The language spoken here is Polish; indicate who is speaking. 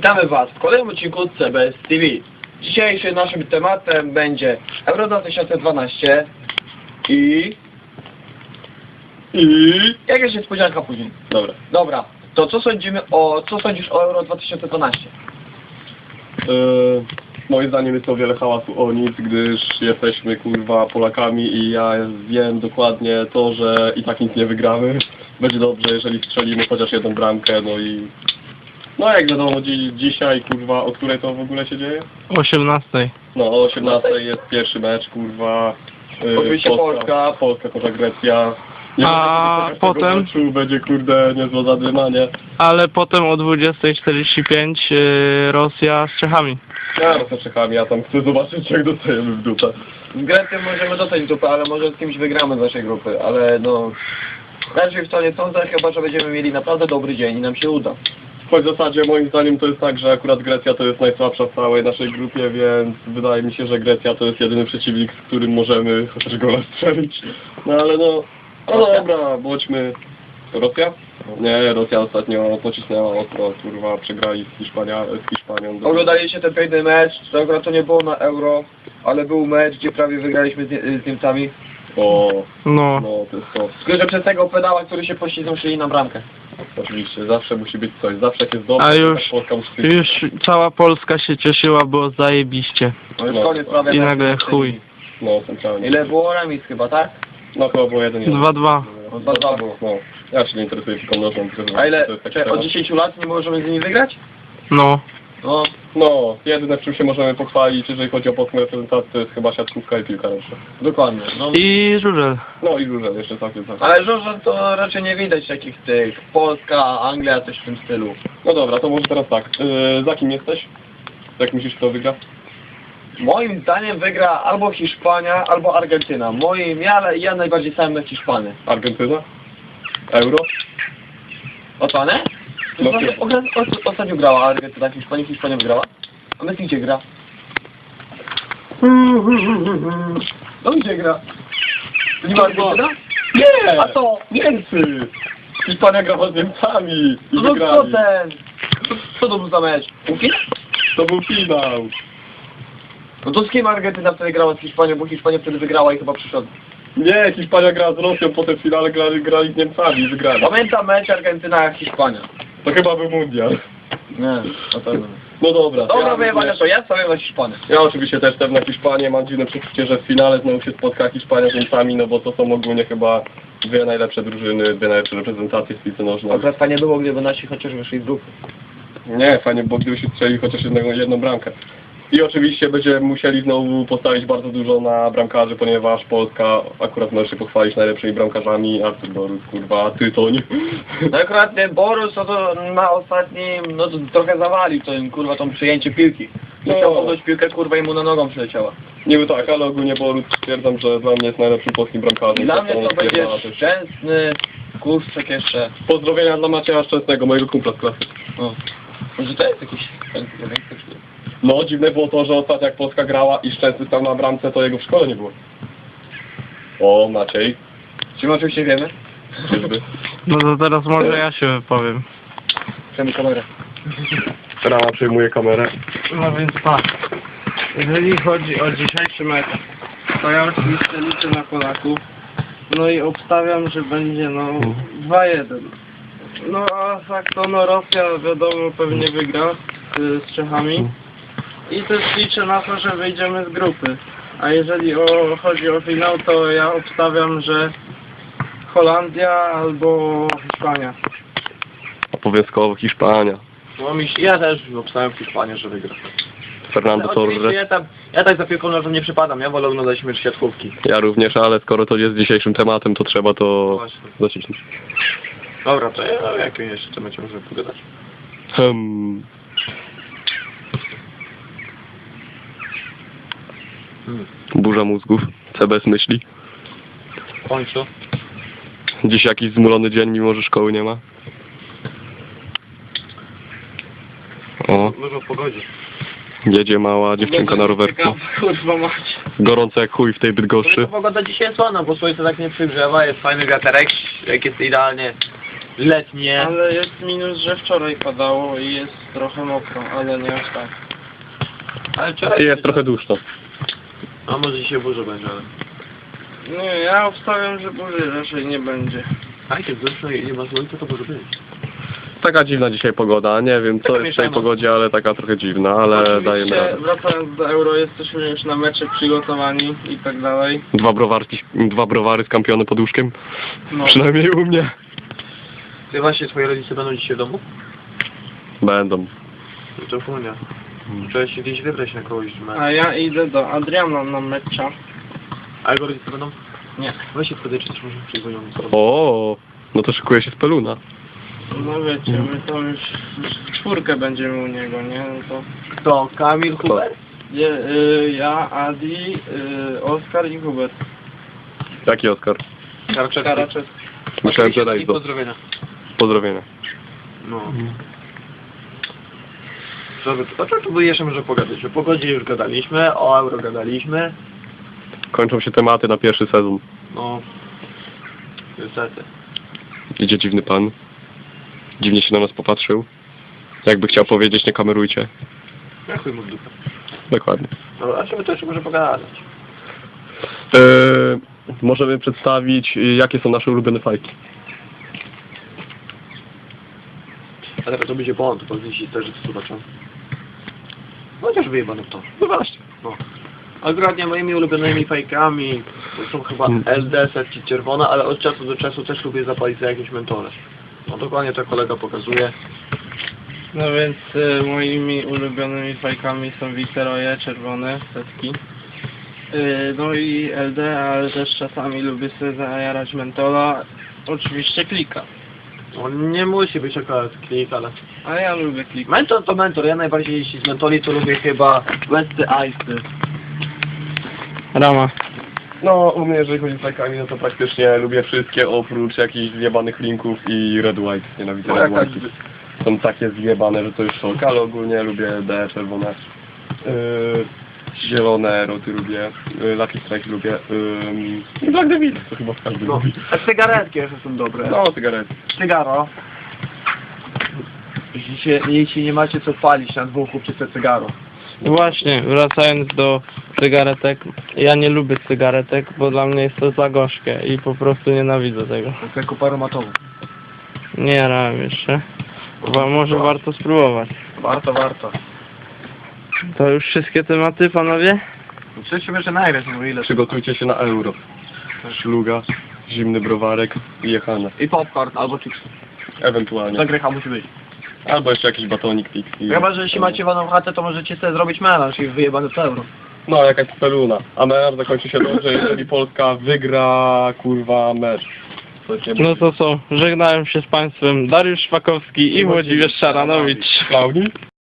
Speaker 1: Witamy Was w kolejnym odcinku CBS TV. Dzisiejszym naszym tematem będzie Euro 2012 i jakaś niespodzianka później. Dobra. To co sądzisz o Euro 2012?
Speaker 2: Moim zdaniem jest to wiele hałasu o nic, gdyż jesteśmy kurwa Polakami i ja wiem dokładnie to, że i tak nic nie wygramy. Będzie dobrze, jeżeli strzelimy chociaż jedną bramkę, no jak wiadomo, dzisiaj kurwa, o której to w ogóle się dzieje?
Speaker 3: O 18.
Speaker 2: No o 18 jest pierwszy mecz, kurwa.
Speaker 1: Oczywiście Polska
Speaker 2: kontra Grecja.
Speaker 3: A potem?
Speaker 2: Meczu będzie kurde niezłe zadymanie.
Speaker 3: Ale potem o 20:45 Rosja z Czechami.
Speaker 2: Ja z Czechami, ja tam chcę zobaczyć jak dostajemy w dupę.
Speaker 1: Z Grecją możemy dostać w dupę, ale może z kimś wygramy z naszej grupy, ale no... Raczej w to nie sądzę, chyba że będziemy mieli naprawdę dobry dzień i nam się uda.
Speaker 2: Choć w zasadzie moim zdaniem to jest tak, że akurat Grecja to jest najsłabsza w całej naszej grupie, więc wydaje mi się, że Grecja to jest jedyny przeciwnik, z którym możemy chociaż gola strzelić. No ale no dobra, bądźmy... Rosja? Nie, Rosja ostatnio pocisnęła ostro, kurwa, przegrali z Hiszpanią.
Speaker 1: Oglądaliście ten piękny mecz, to akurat to nie było na Euro, ale był mecz, gdzie prawie wygraliśmy z Niemcami.
Speaker 3: No.
Speaker 2: To jest to.
Speaker 1: Tylko że przez tego pedała, który się poślizgnął, szli na bramkę.
Speaker 2: Oczywiście, zawsze musi być coś, zawsze jak jest dobrze,
Speaker 3: A
Speaker 2: to
Speaker 3: już,
Speaker 2: tak Polska musi być.
Speaker 3: już cała Polska się cieszyła, było zajebiście.
Speaker 1: No już koniec prawie.
Speaker 3: I nagle chuj.
Speaker 2: No, centralnie.
Speaker 1: Ile było remis chyba, tak?
Speaker 2: No chyba było 1-1.
Speaker 3: 2-2.
Speaker 1: 2-2 było.
Speaker 2: No, ja się nie interesuję piłką nożną.
Speaker 1: A ile?
Speaker 2: To jest taki
Speaker 1: Od
Speaker 2: temat.
Speaker 1: 10 lat nie możemy z nimi wygrać?
Speaker 3: No.
Speaker 2: No, jedyne w czym się możemy pochwalić, jeżeli chodzi o polską reprezentację, to jest chyba siatkówka i piłka nożna.
Speaker 1: Dokładnie. No.
Speaker 3: I żużel.
Speaker 2: No i żużel jeszcze całkiem tak.
Speaker 1: Ale żużel to raczej nie widać takich tych. Polska, Anglia, coś w tym stylu.
Speaker 2: No dobra, to może teraz tak. Za kim jesteś? Jak myślisz, kto wygra?
Speaker 1: Moim zdaniem wygra albo Hiszpania, albo Argentyna. Ja najbardziej stałem na Hiszpanię.
Speaker 2: Argentyna? Euro?
Speaker 1: Otonę?
Speaker 2: No,
Speaker 1: Ostatnio grała Argentyna, Hiszpania wygrała. A Messi gdzie gra? No gdzie gra? To nie ma Argentyna?
Speaker 2: Nie!
Speaker 1: A to?
Speaker 2: Niemcy! Hiszpania grała z Niemcami i
Speaker 1: No co
Speaker 2: wygrali.
Speaker 1: ten? Co to był za mecz? Półfinał?
Speaker 2: To był finał.
Speaker 1: No to z kim Argentyna wtedy grała z Hiszpanią, bo Hiszpania wtedy wygrała i chyba przyszedł.
Speaker 2: Nie, Hiszpania grała z Rosją, potem w finale grali z Niemcami i wygrali.
Speaker 1: Pamiętam mecz Argentyna-Hiszpania.
Speaker 2: To chyba był mundial.
Speaker 1: Nie, na pewno.
Speaker 2: No dobra.
Speaker 1: Dobra wyjebane to, ja stawiam na Hiszpanię.
Speaker 2: Ja oczywiście też stawiam na Hiszpanię, mam dziwne przeczucie, że w finale znowu się spotka Hiszpania z Niemcami, no bo to są ogólnie chyba dwie najlepsze drużyny, dwie najlepsze reprezentacje w piłce nożnej.
Speaker 1: Akurat fajnie było, gdyby nasi chociaż wyszli z grupy.
Speaker 2: Nie, fajnie, bo gdybyśmy strzeli chociaż jedną bramkę. I oczywiście będziemy musieli znowu postawić bardzo dużo na bramkarzy, ponieważ Polska akurat może się pochwalić najlepszymi bramkarzami, Artur Borus, kurwa, Tytoń.
Speaker 1: No akurat ten Borus to na ostatnim, no to trochę zawalił to im kurwa tą przyjęcie piłki.
Speaker 2: No.
Speaker 1: Chciał podać piłkę kurwa i mu na nogą przyleciała.
Speaker 2: Niby tak, ale ogólnie Borus stwierdzam, że dla mnie jest najlepszym polskim bramkarzem.
Speaker 1: Dla mnie to będzie
Speaker 2: stwierdzała też.
Speaker 1: Szczęsny, Kurczak jeszcze.
Speaker 2: Pozdrowienia dla Macieja Szczęsnego, mojego kumpla z klasy.
Speaker 1: O. Może to jest jakiś większy.
Speaker 2: No, dziwne było to, że ostatnio jak Polska grała i Szczęsny stał na bramce, to jego w szkole nie było. O, Maciej.
Speaker 1: Czy my oczywiście wiemy?
Speaker 2: Czyżby?
Speaker 3: No to teraz może ja się wypowiem.
Speaker 1: Przejmij kamerę.
Speaker 2: Rama przejmuje kamerę.
Speaker 3: No więc tak. Jeżeli chodzi o dzisiejszy mecz, to ja oczywiście liczę na Polaków. No i obstawiam, że będzie 2-1. No a tak to Rosja wiadomo pewnie wygra z Czechami. I też liczę na to, że wyjdziemy z grupy. A jeżeli chodzi o finał, to ja obstawiam, że Holandia albo Hiszpania.
Speaker 2: Obowiązkowo Hiszpania.
Speaker 1: No ja też obstawiam Hiszpanię, że wygra.
Speaker 2: Fernando Torres.
Speaker 1: Ja tak za piłką nożną nie przypadam, ja wolę oglądać mecz siatkówki.
Speaker 2: Ja również, ale skoro to jest dzisiejszym tematem, to trzeba to
Speaker 1: Właśnie.
Speaker 2: zacisnąć.
Speaker 1: Dobra, to jak jeszcze będziemy możemy pogadać?
Speaker 2: Burza mózgów. CBS myśli.
Speaker 1: W końcu.
Speaker 2: Dziś jakiś zmulony dzień, mimo że szkoły nie ma. O,
Speaker 1: Dużo w pogodzie.
Speaker 2: jedzie mała dziewczynka na rowerku.
Speaker 1: Kurwa mać.
Speaker 2: Gorąco jak chuj w tej Bydgoszczy.
Speaker 1: Pogoda dzisiaj jest ładna, bo słońce tak nie przygrzewa, jest fajny wiaterek, jak jest idealnie
Speaker 4: letnie.
Speaker 3: Ale jest minus, że wczoraj padało i jest trochę mokro, ale nie aż tak.
Speaker 4: Ale wczoraj
Speaker 2: Jest trochę duszno.
Speaker 4: A może dzisiaj burza będzie, ale...
Speaker 3: Nie, ja obstawiam, że burzy raczej nie będzie.
Speaker 4: A jak dużo i nie ma słońca, to może być.
Speaker 2: Taka dziwna dzisiaj pogoda, nie wiem co jest w tej pogodzie, ale taka trochę dziwna, ale dajemy
Speaker 3: Oczywiście,
Speaker 2: radę.
Speaker 3: wracając do Euro, jesteśmy już na mecze przygotowani i tak dalej.
Speaker 2: Dwa browary skampione pod łóżkiem,
Speaker 3: No.
Speaker 2: przynajmniej u mnie.
Speaker 4: Ty właśnie, twoje rodzice będą dzisiaj w domu?
Speaker 2: Będą.
Speaker 4: No to chunia. Trzeba się gdzieś wybrać na kogoś, że
Speaker 3: A ja idę do Adriana na mecza.
Speaker 4: A jego rodzice będą?
Speaker 3: Nie.
Speaker 4: Weź się wtedy, czy też może przyjdą.
Speaker 2: O, no to szykuje się z peluna.
Speaker 3: No wiecie, my to już w czwórkę będziemy u niego, nie? No to
Speaker 4: Kto? Kamil, Hubert?
Speaker 3: ja, Adi, Oskar i Hubert.
Speaker 2: Jaki Oskar?
Speaker 3: Karaczewski.
Speaker 2: Myślałem, że
Speaker 4: I
Speaker 2: Rajdo.
Speaker 4: pozdrowienia.
Speaker 2: Pozdrowienia.
Speaker 4: No. O czym tu by jeszcze może pogadać? O pogodzie już gadaliśmy, o euro gadaliśmy.
Speaker 2: Kończą się tematy na pierwszy sezon.
Speaker 4: No. Niestety.
Speaker 2: Idzie dziwny pan. Dziwnie się na nas popatrzył. Jakby chciał powiedzieć, nie kamerujcie.
Speaker 4: Ja chuj mu w dupę.
Speaker 2: Dokładnie.
Speaker 4: No, a czemu to jeszcze może pogadać?
Speaker 2: Możemy przedstawić, jakie są nasze ulubione fajki.
Speaker 4: A teraz to będzie błąd, bo gdzieś też zobaczą. No chociaż wyjebane w to.
Speaker 2: No właśnie.
Speaker 4: No. Akurat nie moimi ulubionymi fajkami to są chyba LD, setki czerwone, ale od czasu do czasu też lubię zapalić za jakieś mentole. No dokładnie to kolega pokazuje.
Speaker 3: No więc moimi ulubionymi fajkami są Wiceroje, czerwone, setki. No i LD, ale też czasami lubię sobie zajarać mentola. Oczywiście klika.
Speaker 4: No nie musi być akurat klik, ale...
Speaker 3: A ja lubię klika.
Speaker 4: Mentor to mentor, ja najbardziej jeśli z mentoli to lubię chyba Westy Ice.
Speaker 3: Rama.
Speaker 2: No, u mnie jeżeli chodzi z fajkami, no to praktycznie lubię wszystkie oprócz jakichś zjebanych linków i Red White. Nienawidzę
Speaker 4: No
Speaker 2: Red
Speaker 4: jaka-
Speaker 2: White. Są takie zjebane, że to już szok, ale ogólnie lubię D, czerwone. Zielone roty lubię, Lucky Strike lubię, i Black Devil, to chyba każdy
Speaker 4: No,
Speaker 2: lubi.
Speaker 4: a cygaretki jeszcze są dobre.
Speaker 2: No, cygarety.
Speaker 4: Cygaro. Jeśli nie macie co palić na dwóch, kupcie sobie cygaro.
Speaker 3: Właśnie, wracając do cygaretek. Ja nie lubię cygaretek, bo dla mnie jest to za gorzkie i po prostu nienawidzę tego.
Speaker 4: To jako paromatową.
Speaker 3: Nie jarałem jeszcze. Może warto spróbować.
Speaker 4: Warto.
Speaker 3: To już wszystkie tematy, panowie?
Speaker 4: Przecież jeszcze nagrać, no ile.
Speaker 2: Przygotujcie się na euro. Szluga, zimny browarek i jechane.
Speaker 4: I popcorn albo chips.
Speaker 2: Ewentualnie.
Speaker 4: Zagrycha musi być.
Speaker 2: Albo jeszcze jakiś batonik Pixie.
Speaker 4: Chyba, że jeśli macie waną chatę, to możecie sobie zrobić melanż i wyjebany w euro.
Speaker 2: No, jakaś speluna. A mecz zakończy się dobrze, jeżeli Polska wygra, kurwa, mecz. To się
Speaker 3: No to co, żegnałem się z państwem Dariusz Szpakowski i Włodzimierz Szaranowicz.
Speaker 2: Klaudii?